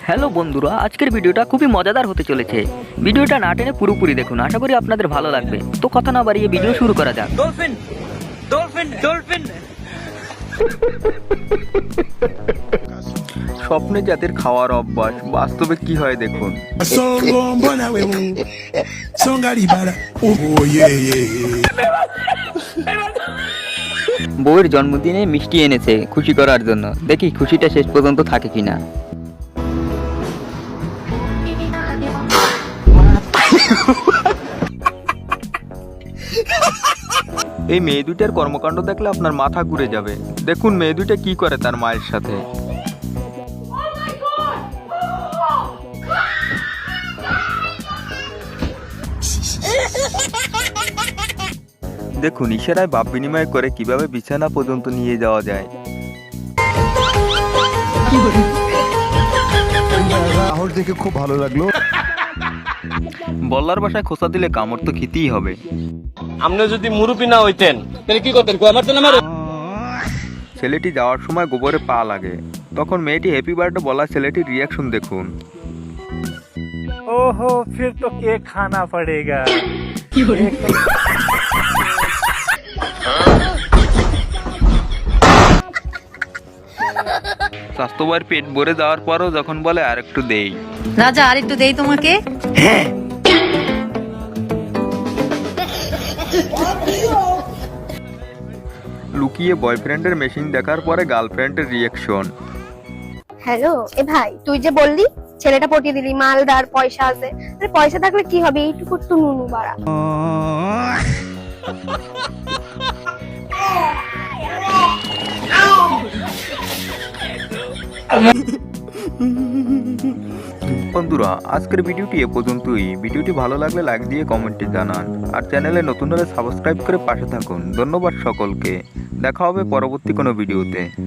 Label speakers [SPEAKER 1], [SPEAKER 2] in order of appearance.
[SPEAKER 1] Hello বন্ধুরা, আজকের ভিডিওটা খুবই মজাদার হতে চলেছে। ভিডিওটা না টেনে পুরোপুরি দেখুন, আশা করি আপনাদের ভালো লাগবে। তো কথা না বাড়িয়ে ভিডিও শুরু করা যাক।
[SPEAKER 2] ডলফিন ডলফিন ডলফিন
[SPEAKER 3] স্বপ্নে যাদের খাওয়ার অভ্যাস, বাস্তবে কি হয় দেখুন।
[SPEAKER 4] Songo mbona wewe songa libala oh yeah yeah
[SPEAKER 1] বউয়ের জন্মদিনে মিষ্টি এনেছে খুশি করার জন্য, দেখি খুশিটা শেষ পর্যন্ত থাকে কিনা।
[SPEAKER 3] এই মেয়ে দুইটার কর্মকাণ্ড দেখলে আপনার মাথা ঘুরে যাবে। দেখুন মেয়ে দুইটা কি করে তার মায়ের সাথে। দেখুন ইশারায় ভাব বিনিময় করে কিভাবে বিছানা পর্যন্ত নিয়ে যাওয়া যায়।
[SPEAKER 5] সাহস দেখে খুব ভালো লাগলো।
[SPEAKER 3] বল্লার বাসায় খোসা দিলে কামড় তো খেতেই হবে।
[SPEAKER 2] আপনি যদি মুরুবি না হইতেন তাহলে কি করতেন? আমার তো না
[SPEAKER 3] ছেলেটি যাওয়ার সময় গোবরে পা লাগে, তখন মেয়েটি হ্যাপি বার্থডে বলা ছেলেটির রিয়াকশন দেখুন।
[SPEAKER 6] ओहो फिर तो केक खाना पड़ेगा।
[SPEAKER 3] স্বাস্থ্যবার পেট ভরে যাওয়ার পরও যখন বলে আর একটু দেই।
[SPEAKER 7] রাজা আর একটু দেই তোমাকে।
[SPEAKER 3] লুকিয়ে বয়ফ্রেন্ডের মেশিন দেখার পরে গার্লফ্রেন্ডের রিয়াকশন।
[SPEAKER 8] হ্যালো এ ভাই, তুই যে বললি ছেলেটা পটিয়ে দিলি, মালদার, পয়সা আছে। আরে পয়সা থাকলে কি হবে, এইটুকু তো নুনু বাড়া।
[SPEAKER 3] বন্ধুরা আজকের ভিডিওটি এ পর্যন্তই। ভিডিওটি ভালো লাগলে লাইক দিয়ে কমেন্টে জানান, আর চ্যানেলে নতুন হলে সাবস্ক্রাইব করে পাশে থাকুন। ধন্যবাদ সকলকে, দেখা হবে পরবর্তী কোনো ভিডিওতে।